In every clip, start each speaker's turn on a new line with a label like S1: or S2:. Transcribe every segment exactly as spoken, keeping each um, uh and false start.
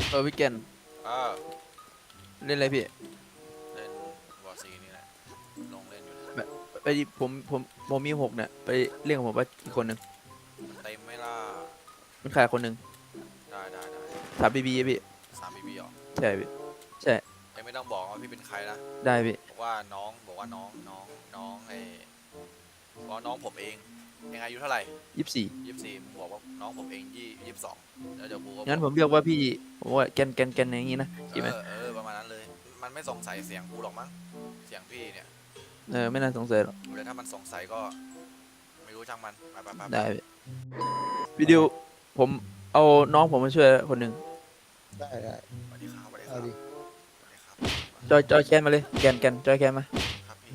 S1: เออพี่แกน
S2: เออ
S1: เล่นอะไรพี่
S2: เล่นวอร์ซีนี่แหละลงเล่นอยู่นะ
S1: แบบไปผมผมผมมีหกเนี่ยไปเล่นกับผมว่าอีกคนหนึ่ง
S2: มันเต็มไหม่ล่ะ
S1: มันขาดคนหนึ่ง
S2: ได้ได้ได้
S1: สามบีบีพี่
S2: สามบีบีหรอ
S1: ใช่พี่ใช่
S2: ยังไม่ต้องบอกว่าพี่เป็นใครนะ
S1: ได้พี่
S2: บอกว่าน้องบอกว่าน้องน้องน้องไอ้บอกว่าน้องผมเองยังอายุเท่าไหร่
S1: ยี่สิบสี่
S2: ยี่สิบสี่มึงบอกว่าน้องผมเองยี่ยี่สิบสองแล้วเดี๋ยวกูก็
S1: งั้นผมเรียกว่าพี่ผมว่าแกนแกนแกนอย่างงี้นะ
S2: เอ
S1: ใช่ไหม
S2: อเออประมาณนั้นเลยมันไม่สงสัยเสียงกูหรอกมั้งเสียงพี่เนี่ย
S1: เออไม่น่าสงสัยหรอก
S2: เดี๋ยวถ้ามันสงสัยก็ไม่รู้ช่างมันไปไปไป
S1: ได้พี่วิดีโอผมเอาน้องผมมาช่วยคนหนึ่ง
S3: ได้ได้
S2: สวัสดีครับสวัสดีค
S3: เอา
S2: รับ
S3: ดิ
S2: สวัสดีครับ
S1: จอยจอยแคนมาเลยแกนแกนจอยแคนมา
S2: ครับพี่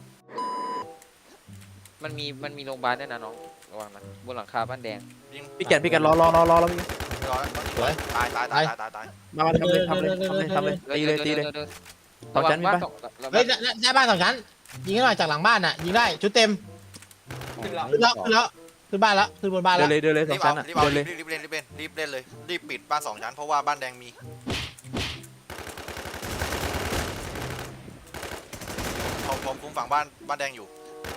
S4: มันมีมันมีโรงพยาบาลด้วยนะน้องระวังนะบนหลังคาบ้านแดง
S2: ยิง
S1: พี่แกนพี่แกนรอรอรอรอรอพี่
S2: ร้อยตายตายตายตายตายตาย
S1: มามาทำเลยทำเลยทำเลยทำเลยตีเลยตีเลย ต่อชั้นมีปะ
S3: เฮ้ยหน้าบ้านสองชั้นยิงให้หน่อยจากหลังบ้านน่ะยิงได้ชุดเต็มขึ้นแล้วขึ้นแล้วขึ้นบ้านแล้วขึ้นบนบ้าน
S1: เดิ
S3: แล้ว
S1: นเลยเดินเลยส
S2: รี
S1: อง
S2: บเอา
S1: ชั้นอ่ะ
S2: รีบเอา
S1: เดินเลย
S2: รีบเล่นรีบเล่นรีบเล่นเลยรีบปิดบ้านสองชั้นเพราะว่าบ้านแดงมีผมผมคุมฝั่งบ้านบ้านแดงอยู่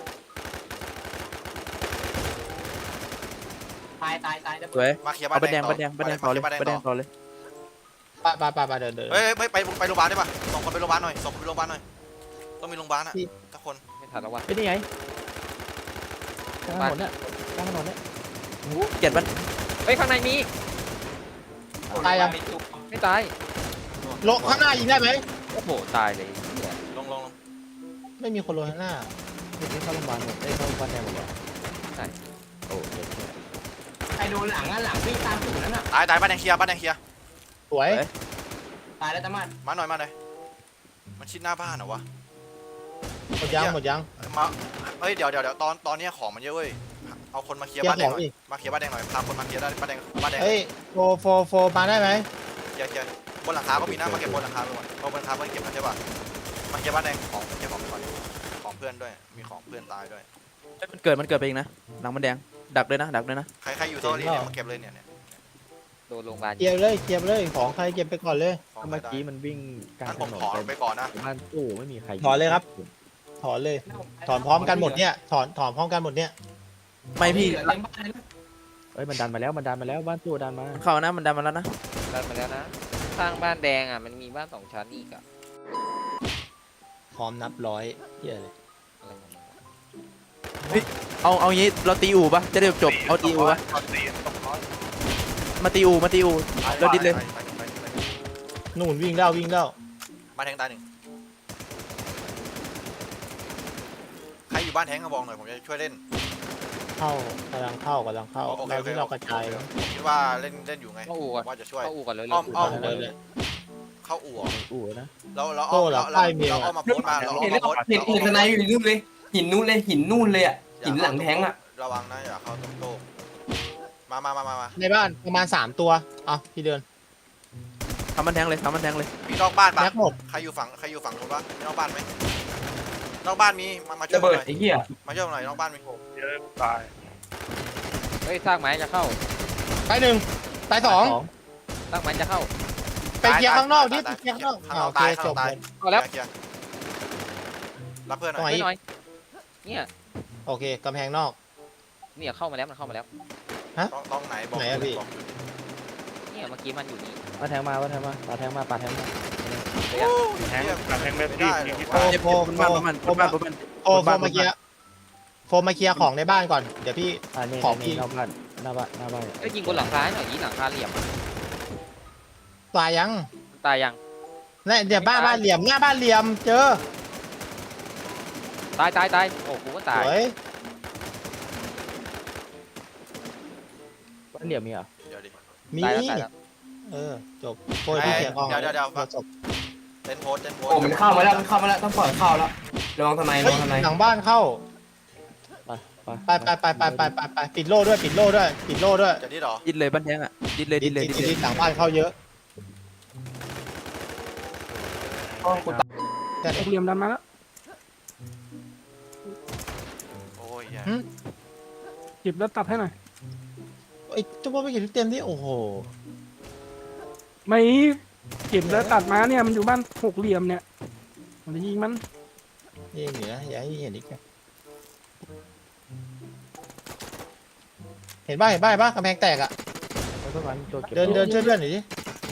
S5: ตายตายตาย
S1: สวย
S2: มาเคลียร์บ้า
S1: เอา
S2: น
S1: บัน
S2: แด
S1: แด
S2: ง
S1: งบันแดงบันแดงต่อเลย
S2: บ้านแดง
S1: บันแดง
S2: ต่
S1: ต่
S2: อ
S1: อเลย
S3: ไปไปไปไปเดินเดิน
S2: เฮ้ยไปไปไปโรงพยาบาลได้ปะส่งคนไปโรงพยาบาลหน่อยส่งคนไปโรงพยาบาลหน่อยต้องมีโรงพยาบาลอะทุกคน
S4: ไม่ทันแล้ววะ
S1: เป็นยังไงกลางถนนเนี่ยกลางถนนเนี่ยโอ้โหเกลียดมัน
S4: เฮ้ยข้างในมี
S3: ตายยัง
S4: ไม่ตาย
S3: ลงข้างหน้ายิงได้ไหม
S4: โอ้โหตายเลยเหี้ย
S2: ลงลงลง
S3: ไม่มีคนลงข้างหน้า
S1: นี่เข้าโรงพยาบาลหมดได้เข้าโรงพยาบาลแดงหมดเลย
S4: ใช่
S1: โอ้เจ็บ
S5: ใครโดนหลังอ่ะหลังวิ่งตามสูงนั้นอ่ะ
S2: ตายตายบ้านแดงเคลียร์บ้านแดงเคลียร์
S3: สวย
S5: ตายแล้วตามัน
S2: มาหน่อยมาหน่อยมันชิดหน้าบ้านเหรอวะ
S3: หมดยังหมดยัง
S2: มาเฮ้ยเดี๋ยวเดี๋ยวเดี๋ยวตอนตอนนี้ของมันเยอะเว้ยเอาคนมาเคลียร์
S3: เคลียร์
S2: บ้านแดงหน่
S3: ของ
S2: อย
S3: ดิ
S2: มาเคลียร์บ้านแดงหน่อยพาคนมาเคลียร์ได้บ้านแดงบ้านแดง
S3: เฮ้ยโฟโฟโฟมาได้ไหม
S2: เคลียร์เคลียร์บนหลังคาก็มีนะมาเก็บบนหลังคาไปก่อนเพราะบนหลังคาเพื่อนเก็บมาใช่ป่ะมาเคลียร์บ้านแดงของเก็บของไปก่อนของเพื่อนด้วยมีของเพื่อนตายด้วย
S1: มันเกิดมันเกิดไปเองนะหลังมันแดงดักเลยนะดักเลยนะ
S2: ใครใครอยู่โซนนี้เนี่ยมาเก็บเลยเนี่ยเนี่ย
S4: โดนโรงพยาบาล
S3: เก็บเลยเก็บเลยของใครเก็บไปก่อนเลย
S2: ของ
S6: เมื่อ
S2: ได้
S6: กี้มันวิ่งกลาง
S2: งั้น
S6: ถ
S2: ผม
S6: นน
S2: ขอไปก่อนนะ
S6: บ้านตู้ไม่มีใคร
S3: ถอนเลยครับ ถอนเลยถอนพร้อมกันหมดเนี่ยถอนถอนพร้อมกันหมดเนี่ย
S1: ไม่พี่
S5: เต็มบ้านเลย
S6: เอ้ยมันดันมาแล้วมันดันมาแล้วบ้านตู้ดันมา
S1: มันเข้านะมันดันมาแล้วนะ
S4: ดันมาแล้วนะข้างบ้านแดงอ่ะมันมีบ้านสองชั้นอีกอ่ะ
S3: พร้อมนับร้อยเฮียเลย
S4: อะไรของมึงวะ
S1: เอาเอางี้เราตีอู่ปะจะได้จบเอาตีอู่ปะมาตีอู่มาตีอู่เราดิดเลย
S3: นู่นวิ่งแล้ววิ่งแล้ว
S2: บ้านแทงตายหนึ่งใครอยู่บ้านแทงก็บอกหน่อยผมจะช่วยเล่น
S3: เข้ากำลังเข้ากำลังเข้า
S2: โอเค
S3: เรา
S2: โอเค
S3: ที่เรากระจาย
S2: ผมคิดว่าเล่นเล่นอยู่ไง
S4: เข้าอู่ก่อน
S2: ว่าจะช่วย
S4: เข้าอู่ก่อนเลย
S2: อ้อมอ้อม
S3: เลยเลย
S2: เข้าอู่เหรอ
S6: อู่นะ
S2: แล้วแล้วอ้อมแล้วแล้วเราเอามาโพสต์มาเรา
S5: เห็น
S2: เอามาโพสต์
S5: เห็นเห็นสไนอยู่นู่นเลยหินนู่นเลยหินนู่นเลยอ่ะหินหลังแทงอ่ะ
S2: ระวังนะอย่าเข้าตรงโต๊ะมามามามามา
S3: ในบ้านประมาณสามตัวเอาพี่เดิน
S1: ทำมันแทงเลยทำมันแทงเลย
S2: มีนอกบ้านปะ
S3: แม็กหมด
S2: ใครอยู่ฝั่งใครอยู่ฝั่งนู้นปะมีนอกบ้านไหมนอกบ้านมีมามาช่วย
S5: ระ
S2: ผม
S5: เบิ
S2: ห
S5: ด
S2: น่อย
S5: ไอ้เหี้ย
S2: มาช่วยผมหน่อยนอกบ้านมี
S4: เฮ้ยสร้างไม้จะเข้า
S3: ไปหนึ่งไปสอง
S4: สร้างไม้จะเข้า
S3: ไปเคลียร์ข้างนอกดิ
S2: ตาย
S3: เคลียร์ข้างนอก
S2: ข้างน
S3: อ่า
S2: อก
S3: โอเค
S2: ตายข้าง
S3: จ
S2: นอบ กตาย
S4: เอาแล้ว
S2: เคลียร์รับเพื่อนหน่
S3: ตรงไห
S2: อย
S4: ช่วยหน่อยเนี่ย
S3: โอเคกำแพงนอก
S4: เนี่ยเข้ามาแล้วมันเข้ามาแล้ว
S2: ต้องต้องไหนบอก
S3: ไหนอะพี่
S2: บอก
S4: เนี่ยเมื่อกี้มันอยู่นี่
S6: มาแทงมาว่าแทงมาปาแทงมาปาแทงมา
S4: เดี๋ยว
S2: แทงแทงไม่ได้หรอ
S3: โฟ
S2: วะ
S3: มโฟม
S1: มัน
S3: โฟ
S1: บ้าน
S3: ม
S1: มัน
S3: โฟ
S1: มัน
S3: ม
S1: บ้านมัน
S3: โฟมโฟมมาเคลียร์โฟมมาเคลียร์ของในบ้านก่อนเดี๋ยวพี่
S6: อ่านี่
S3: ของพี่
S6: นี่หน้าบ้านหน้าบ้านหน้าบ้าน
S4: เอ้ยยิงบนหลังคาให้หน่อยยิงหลังคาเหลี่ยมอะ
S3: ตายยัง
S4: ตายยัง
S3: เนี่ยเดี๋ยวบ้านบ้านเหลี่ยมหน้าบ้านเหลี่ยมเจอ
S4: ตายตายตายโอ้กูก็
S3: ส
S4: ตาย
S3: วย
S6: บ้านเหลี่ยมมีเหรอ
S2: เดี๋ยวดิ
S3: มี
S4: ตายแล้วตายแล้ว
S3: เออจบโฟมพี่เคลียร์ของ
S2: เดี๋ยวเดี๋ยวเดี๋ยว
S3: จบ
S2: เต้นโพสเต้นโพส
S5: โอ้มันเข้ามาแล้วมันเข้ามาแล้วต้องปล่อยเข้าแล้วระวังทนายระ
S3: เฮ้ย
S5: วังทนาย
S3: หลังบ้านเข้า
S6: ไปไป
S3: ไปไปไปไปไปไปไปปิดโล่ด้วยปิดโล่ด้วยปิดโล่ด้วย
S2: จะดิดเหรอ
S1: ดิดเลยบ้านแทงอ่ะดิดเลยดิดเลย
S3: ดิ
S1: ดิดเลย
S3: หลังบ้านเข้าเยอะ
S5: โอ้กูตาย
S3: แต่
S6: เหลี่ยมดันมาแล้ว
S2: โอ้ยแย่
S6: หยิบแล้วตัดให้หน่อย
S3: ไอ้เจ้าพ่อไม่เห็นเต็มที่โอ้โห
S6: ไม่เก็บแล้วตัดมาเนี่ยมันอยู่บ้านหกเหลี่ยมเนี่ยมันจะยิงมัน
S3: ยิงเหนืออย่าให้เห็นอีกนะเห็นบ้าเห็นบ้าเห็นบ้ากำแพงแตกอ่ะ
S6: แล้วก็มันตัวเก็บ
S3: เดินเดินช่วยเพื่อนหน่อยดิ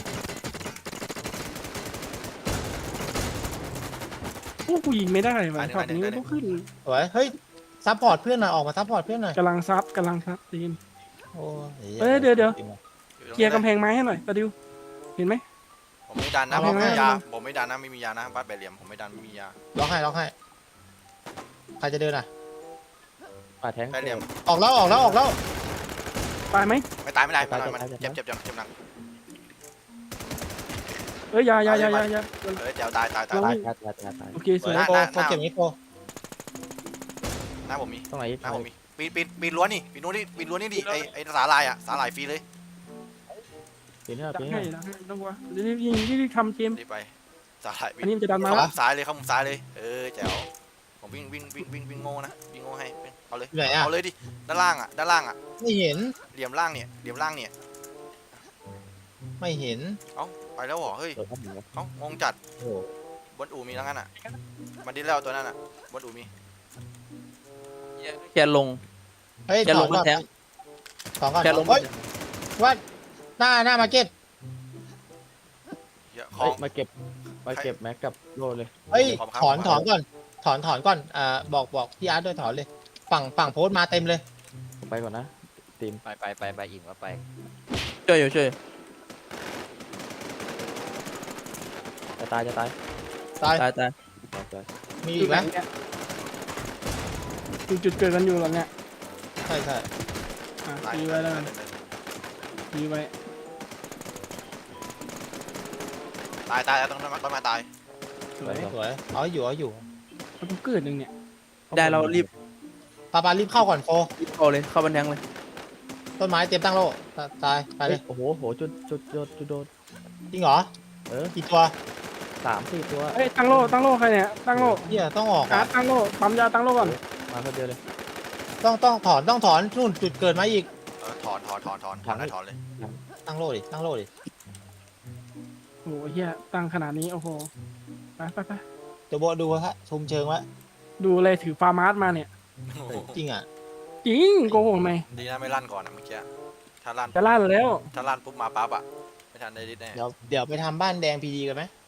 S6: โอ้กูยิงไม่ได้ว่ะช็อตนี้มันต้องขึ้น
S3: สวยเฮ้ยซัพพอร์ตเพื่อนหน่อยออกมาซัพพอร์ตเพื่อนหน่อย
S6: กำลังซับกำลังซับตีน
S3: โอ้ย
S6: เอ้ยเดี๋ยวเดี๋ยว
S2: อตรง
S6: เคลียร์
S2: นี้
S6: กำแพงไม้ให้หน่อยตะดิวเห็นไหม
S2: ผมไม่ดันนะ
S6: เอา
S2: ผมไม่มี
S6: ไม่
S2: ยา
S6: ไม่
S2: ผมไม่ดันนะไม่มียานะบ้านแปดเหลี่ยมผมไม่ดันไม่มียา
S3: ล็อกให้ล็อกให้ใครจะเดินอ่ะ
S6: ป่าแทง
S2: แปดเหลี่ยม
S3: ออกแล้วออกแล้วออกแล้ว
S6: ตายไหม
S2: ไม่ตายไม่ตายไม่ตายมันเจ็บเจ็บจังเจ็บหนัก
S6: เอ้ยอยาอยาอยาอยาอยา
S2: เออเดี๋ยวตายตายตาย
S6: เรา
S2: ตาย
S6: วิ่งตายตายตายตายโอเคสวย
S2: หน้า
S3: โปโปเก็บนี้โป
S2: หน้าผมมี
S6: ตรงไหน
S2: หน้าผมมีปีนปีนปีนรั้วนี่ปีนรั้วนี่ปีนรั้วนี่ดิไอไอสาลายอ่ะสาลายฟรีเลย
S6: ปีนให้ปีนให้ต้องกลัวรีบยิงรีบทำเกม
S2: รีบไปสาลาย
S6: อันนี้มันจะดันมา
S2: เข้า
S6: แล้ว
S2: มุมซ้ายเลยเข้ามุมซ้ายเลยเออแจ๋วผมวิ่งวิ่งวิ่งวิ่งวิ่งโง่นะวิ่งโง่ให้เอาเลย
S3: อยู่ไหนอ่ะ
S2: เอาเลยดิด้านล่างอ่ะด้านล่างอ่ะ
S3: ไม่เห็น
S2: เหลี่ยมล่างเนี่ยเหลี่ยมล่างเนี่ย
S3: ไม่เห็น
S2: ไปแล้วเหรอเฮ้ย
S6: เปิดครับหนึ่ง
S2: เอ้างงจัด
S3: โอ้
S2: บนอู่มีแล้วงั้นอ่ะมันดิ้นแล้วตัวนั้นอ่ะบนอู่มี
S4: แค่ลง
S3: เฮ้ย
S4: จะ
S3: ถ
S4: ล
S3: อง น
S4: มา
S3: ก่อน
S4: แทง
S3: ถอนก่อน
S4: แค่ลง
S3: เฮ้ยว่าหน้าหน้ามาร์เก็ต
S2: เยอะขอ
S6: เฮ้ย
S2: ง
S6: มาเก็บมาเก็บแม็กกับโลเลย
S3: เฮ้ย
S2: ขอบคุณครับ
S3: ถอนถอนก่อนถอนถอนก่อนอ่าบอกบอกพี่อาร์ตด้วยถอนเลยฝั่งฝั่งโพสต์มาเต็มเลย
S6: ไปก่อนนะทีม
S4: ไปไปไปไปอิ่มก็ไป
S6: ช่วยอยู่ช่วยจะตายจะตาย
S3: ตาย
S6: ตายตายตาย
S3: มีอีกไหม
S6: จุดจุดเกิดกันอยู่หรอเนี่ย
S3: ใช่ใช่
S6: อ่ะ
S2: ตาย
S6: ตี
S2: เล
S6: ไว้
S2: ย
S6: แล้ว
S2: ตา
S6: กั
S2: ย
S6: น
S2: เลย
S6: ตีไว้
S2: ตายตายต้องต้องมาตาย
S6: สวย
S3: สวยเอาอยู่เอาอยู่
S6: มันต้องเกิดหนึ่งเนี่ย
S7: ได้เรารีบ
S3: ปาปารีบเข้าก่อนโฟ
S7: รีบเข้าเลยเข้าบันแทงเลย
S3: ต้นไม้เตรียมตั้งโล่ตาตายไปเลย
S6: โอ้โหโหจุดจุดจุดจุดโดน
S3: จริงเหรอ
S6: เออ
S3: กี่ตัว
S6: สามสี่ตัวเอ้ยตั้งโล่ตั้งโล่ใครเนี่ยตั้งโล่
S3: เฮียต้องออก
S6: การ์
S3: อ่ะ
S6: ดตั้งโล่ปั๊มยาตั้งโล่ก่อนมาคนเดียวเลย
S3: ต้องต้องถอนต้องถอนนู่นจุดเกิดมาอีก
S2: เออถอนถอนถอนถอนถอนได้ถอนเลย
S3: ตั้งโล่ดิตั้งโล่ดิ
S6: โอ้โหเฮียตั้งขนาดนี้โอ้โหไปไปไป
S3: เดี๋ยวโบดูฮะชมเชิงไว้
S6: ดูเลยถือฟาร์มาร์สมาเนี่ย
S3: เฮ้ยจริงอ่ะ
S6: จริงโกหกไหม
S2: ดีนะไม่ลั่นก่อนอะเมื่อกี้ถ้าลั่น
S6: จะลั่นแล้ว
S2: ถ้าลั่นปุ๊บมาปั๊บอ่ะไม่ทันได้ดิสแน่
S3: เดี๋ยวเดี๋ยวไปทำบ้านแดงพีดีกันไหม